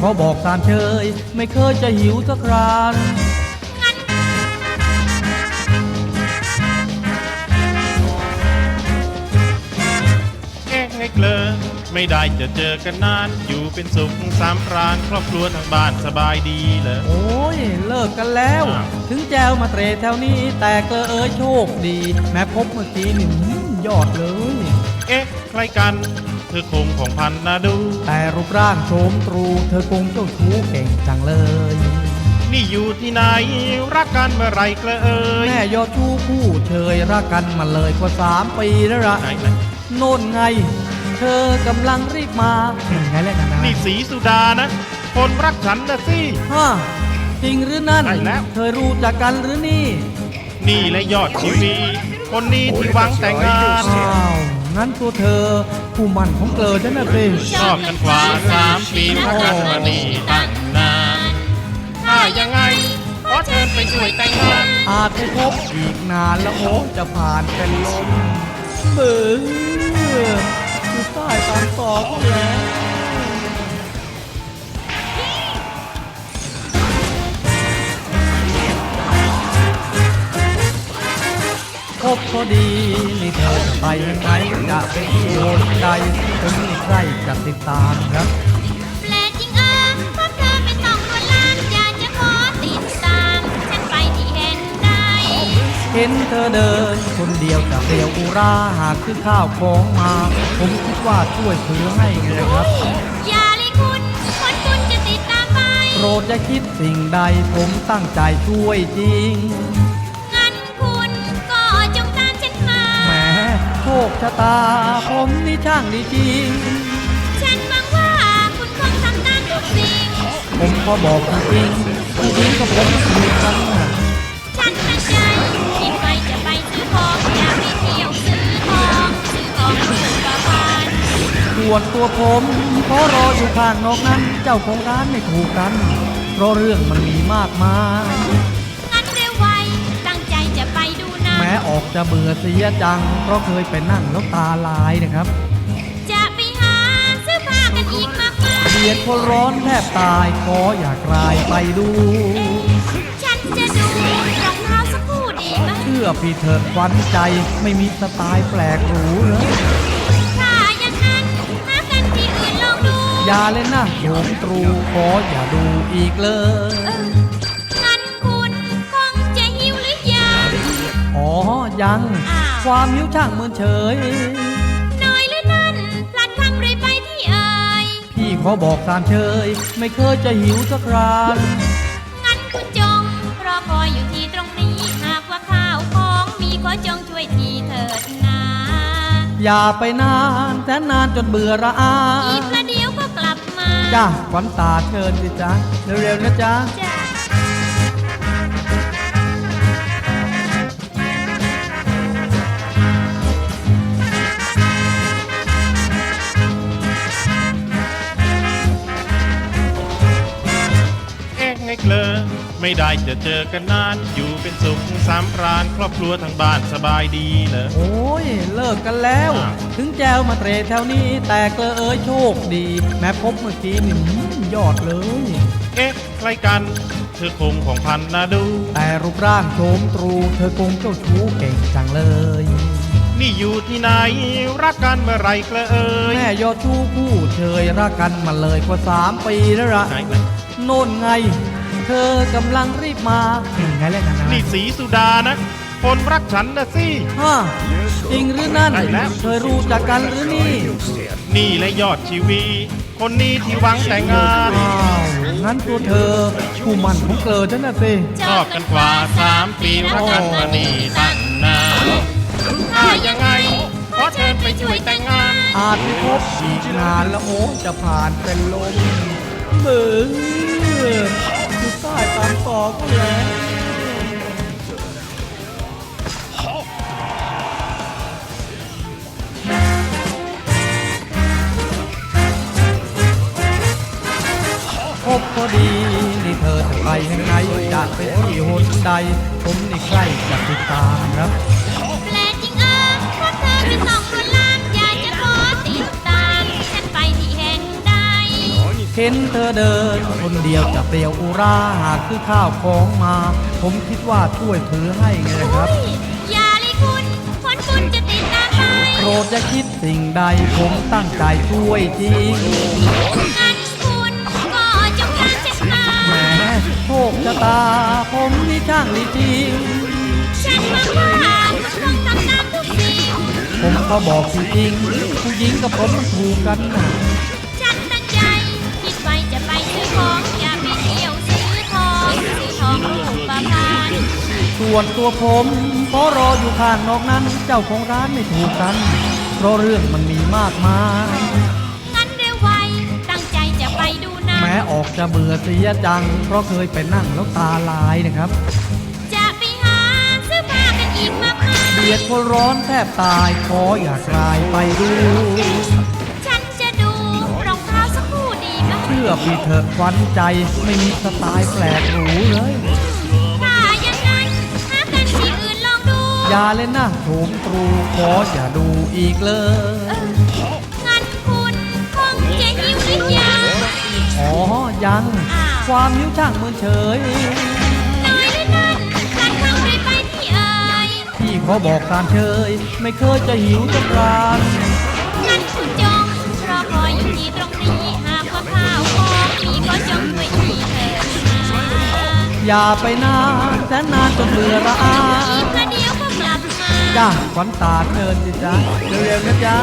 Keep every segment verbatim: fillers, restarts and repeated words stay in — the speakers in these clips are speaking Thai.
ขอบอกตามเชยไม่เคยจะหิวสักคราเอ๊ะไงเกลอไม่ได้จะเจอกันนานอยู่เป็นสุขสามพรานครอบครัวทางบ้านสบายดีเหรอโอ้ยเลิกกันแล้วถึงแจวมาเตรแถวนี้แต่เกลอเอ๋ยโชคดีแม้พบเมื่อกี้นี่ยอดเลยเอ๊ะใครกันเธอคงของพันนาดูแต่รูปร่างโฉมตรูเธอคงเจ้าชู้เก่งจังเลยนี่อยู่ที่ไหนรักกันเมื่อไรเกลอเอ๋ยแม่ยอดชู้คู่เชยรักกันมาเลยกว่าสามปีแล้วละโน่นไงเธอกำลังรีบมาไงแล้วกันนะนี่สีสุดานะคนรักฉันนะสิฮะจริงหรือนั่นเคยรู้จักกันหรือนี่นี่และยอดชีวีคนนี้ที่หวังแต่งงานอ้าวงั้นตัวเธอผู้มั่นของเกลอฉันน่ะสิชอบกันกว่าสามปีรักกันมานี่ตั้งนานถ้ายังไงขอเชิญไปช่วยแต่งงานอาจจะพบอีกนานแล้วโอ้จะผ่านเป็นลมเบื่ออยู่ใต้ตามต่อก็แล้วพบพอดีนี่เธอจะไปยังไงจะไปที่โน่นใดผมมีใครจะติดตามครับแปลกจริงอ่ะพบเธอเป็นสองคนล้านอยากจะขอติดตามฉันไปที่เห็นได้เห็นเธอเดินคนเดียวจะเปลี่ยวอุราหากซื้อข้าวของมาผมคิดว่าช่วยซื้อให้ไงครับอย่าเลยคุณคนคุณจะติดตามไปโปรดอย่าคิดสิ่งใดผมตั้งใจช่วยจริงโชคชะตาผมนี่ช่างดีจริงฉันหวังว่าคุณคงทำตามทุกสิ่งผมขอบอกจริงผู้หญิงกับผมมีกันฉันตั้งใจที่ไปจะไปซื้อของอยากไปเที่ยวซื้อของซื้อของลูกกระบาลส่วนตัวผมขอรออยู่ข้างนอกนั้นเจ้าของร้านไม่ถูกกันเพราะเรื่องมันมีมากมายแม้ออกจะเบื่อเสียจังเพราะเคยไปนั่งแล้วตาลายนะครับจะไปหาซื้อผ้ากันอีกมากมายเบียดคนร้อนแทบตายขออยากลายไปดูฉันจะดูรองเท้าสักคู่ดีไหมเชื่อพี่เถิดควันใจไม่มีสไตล์แปลกหรูเลยถ้าอย่างนั้นหากันที่อื่นลองดูอย่าเล่นนะโยมตรูขออย่าดูอีกเลยอ๋อยังความหิวช่างเมินเฉยน้อยหรือนั่นพลัดคำไรไปที่เอ่ยพี่ขอบอกตามเชยไม่เคยจะหิวสักครางั้นคุณจงรอคอยอยู่ที่ตรงนี้หากว่าข้าวของมีขอจงช่วยทีเถิดนาอย่าไปนานแสนนานจนเบื่อระอาอีกประเดี๋ยวก็กลับมาจ้าขวัญตาเชิญสิจ๊ะเร็วๆนะจ๊ะเกลอไม่ได้จะเจอกันนานอยู่เป็นสุขสามพรานครอบครัวทางบ้านสบายดีเหรอโอ้ยเลิกกันแล้วถึงแจวมาเตรแถวนี้แต่เกลอเอ๋ยโชคดีแม้พบเมื่อกี้นี่ยอดเลยเอ๊ะใครกันเธอคงของพันนาดูแต่รูปร่างโฉมตรูเธอคงเจ้าชู้เก่งจังเลยนี่อยู่ที่ไหนรักกันเมื่อไรเกลอเอ๋ยแม่ยอดชู้คู่เชยรักกันมาเลยกว่าสามปีแล้วละโน่นไงเธอกำลังรีบมาไงแล้วกันนะนี่สีสุดานะคนรักฉันนะสิฮะจริงหรือนั่นเคยรู้จักกันหรือนี่นี่และยอดชีวีคนนี้ที่หวังแต่งงานอ้าวงั้นตัวเธอผู้มั่นของเกลอฉันน่ะสิชอบกันกว่าสามปีรักกันมานี่ตั้งนานถ้ายังไงขอเชิญไปช่วยแต่งงานอาจจะพบอีกนานแล้วโอ้จะผ่านเป็นลมเบื่ออยู่ใต้ตามต่อก็แล้วพบพอดีนี่เธอจะไปยังไงอยากไปที่หนใดผมนี่ใกล้จะติดตามครับแปลกจริงอ่ะพบเธอเป็นสองคนล้านอยากจะขอติดตามฉันไปที่เห็นได้เเห็นเธอเดินคนเดียวจะเปรียวอุราหากคือข้าวของมา ผมคิดว่าช่วยถือให้ไงครับอุ๊ยอย่าเลยคุณผลบุญจะติดตามไปโปรดจะคิดสิ่งใดผมตั้งใจช่วยจริงงั้นคุณก็จงการเช็ดมาแหมโชคชะตา ผมนี่ช่างดีจริงฉันหวังว่าคุณคงทำตามทุกสิ่งผมก็บอกจริงๆผู้หญิงกับผมมันถูกกันนะฉันตั้งใจคิดไว้จะไปซื้อของอย่าไปเที่ยวซื้อทองซื้อทองรูปประพันธ์ส่วนตัวผมขอรออยู่ข้างนอกนั้น เจ้าของร้านไม่ถูกกัน เพราะเรื่องมันมีมากมายงั้นเร็วไวตั้งใจจะไปดูหนะแม้ออกจะเบื่อเสียจัง เพราะเคยไปนั่งแล้วตาลายนะครับจะไปหาซื้อผ้ากันอีกมากมายเบียดคนร้อนแทบตาย ขออย่ากลายไปดูฉันจะดูรองเท้าสักคู่ดีไหมเชื่อพี่เถอะควันใจไม่มีสไตล์แปลกหรูเลยถ้าอย่างนั้นหากันที่อื่นลองดูอย่าเล่นนะโถมตรูขออย่าดูอีกเลยงั้นคุณคงจะหิวหรือยังอ๋อ ยังอ้าวความหิวช่างมือเฉยน้อยหรือนั่นฉันคงได้ไปที่เอ่ยพี่ขอบอกตามเชย ไม่เคยจะหิวจะกรานงั้นคุณจงรอคอยอยู่ที่ตรงนี้หากว่าข้าวของมีก็จงช่วยทีเถิดนะอย่าไปนานแสนนานจนเบื่อละอาอีกประเดี๋ยวก็กลับมาจ้าขวัญตาเชิญสิจ๊ะเร็วๆนะจ๊ะ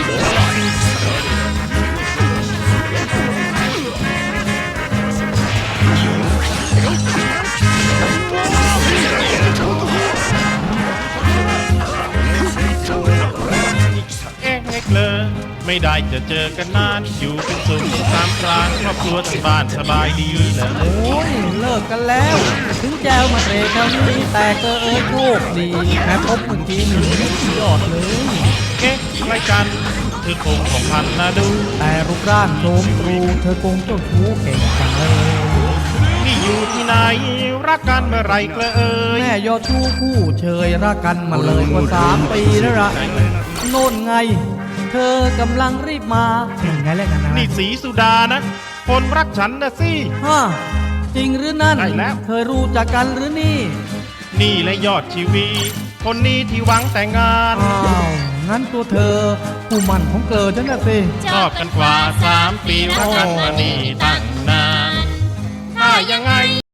เอ๊ะเอ็กเลยไม่ได้จะเจอกันนาน อยู่เป็นสุขสามพรานครอบครัวทั้งบ้านสบายดีเหรอโอ้ยเลิกกันแล้ว ถึงแจวมาเตะแถวนี้แต่ก็เอ้ยโชคดีแม้พบเมื่อกี้หนึ่งยอดเลยเอ๊ะไรกันเธอคงของพันนะดูแต่รูปร่างโฉมตรูเธอคงเจ้าชู้เก่งจังเลยนี่อยู่ที่ไหนรักกันเมื่อไหรเกลอเอ่ยแม่ยอดชู้คู่เชยรักกันมาเลยกว่าสามปีแล้วละโน่นไง เธอกำลังรีบมาอย่างไงแล้วกันนะนี่สีสุดานะ คนรักฉันนะสิฮะจริงหรือนั่นใช่แล้วเคยรู้จักกันหรือนี่นี่และยอดชีวี คนนี้ที่หวังแต่งงานอ้าว งั้นตัวเธอ ผู้หมันของเกิดฉันน่ะสิชอบกันกว่าสามปีรักกันมานี่ตั้งนาน ถ้ายังไง